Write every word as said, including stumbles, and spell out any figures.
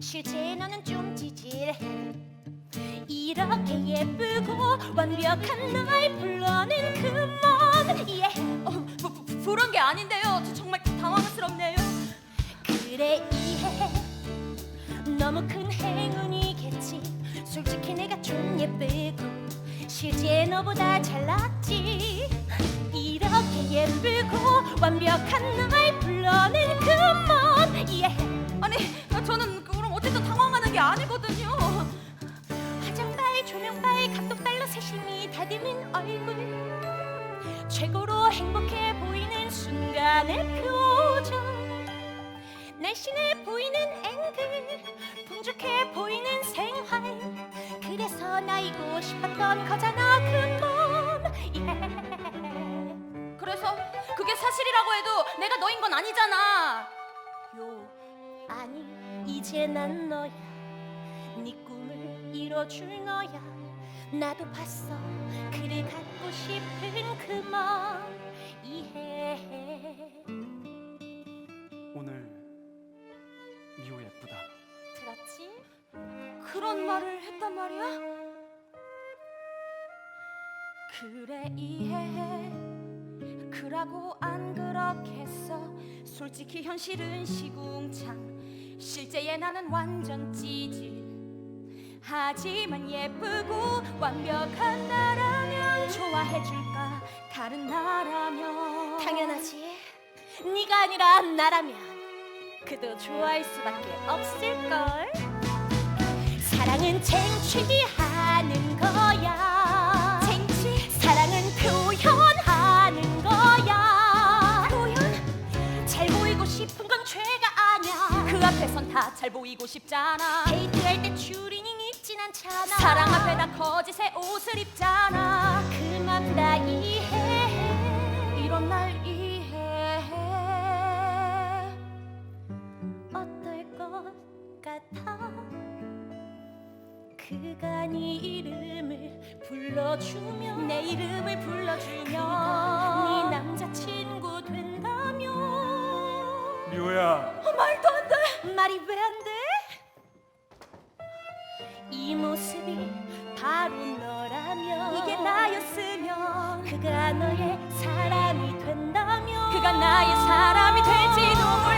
실제 너는 좀 찌질해. 이렇게 예쁘고 완벽한 날 불러낸 그 몸. 예. 어, 부, 부, 부른 게 아닌데요. 저 정말 당황스럽네요. 그래 이해해. 너무 큰 행운이겠지. 솔직히 내가 좀 예쁘고 실제 너보다 잘났지. 이렇게 예쁘고 완벽한 날 불러낸 그 몸. 이해해. 아니, 저는 그럼 어쨌든 당황하는 게 아니거든요. 화장발, 조명발, 감독발로 세심히 다듬은 얼굴. 최고로 행복해 보이는 순간의 표정. 날씬해 보이는 앵글. 풍족해 보이는 생활. 그래서 나이고 싶었던 거잖아 그 몸. 예. 그래서 그게 사실이라고 해도 내가 너인 건 아니잖아. 요. 아니 이제 난 너야. 네 꿈을 이뤄줄 너야. 나도 봤어 그를 갖고 싶은 그 마음. 이해해. 오늘 미호 예쁘다. 들었지? 그런 말을 했단 말이야? 그래 이해해. 그라고 안 그렇겠어. 솔직히 현실은 시궁창. 실제의 나는 완전 찌질. 하지만 예쁘고 완벽한 나라면 좋아해줄까? 다른 나라면 당연하지. 네가 아니라 나라면 그도 좋아할 수밖에 없을걸. 사랑은 쟁취하는 거야. 쟁취? 사랑은 표현하는 거야. 표현? 잘 보이고 싶은 건 죄가 아니야. 그 앞에선 다 잘 보이고 싶잖아. 데이트할 때 추리닝 입진 않잖아. 사랑 앞에다 거짓의 옷을 입잖아. 그 맘 다 이해해. 이런 날 이해해. 어떨 것 같아? 그가 네 이름을 불러주면, 내 이름을 불러주면 네 남자친구 된다면. 미호야. 어, 말도 안 돼. 말이 왜 안 돼? 이 모습이 바로 너라면, 이게 나였으면, 그가 너의 사람이 된다면, 그가 나의 사람이 될지도 몰라.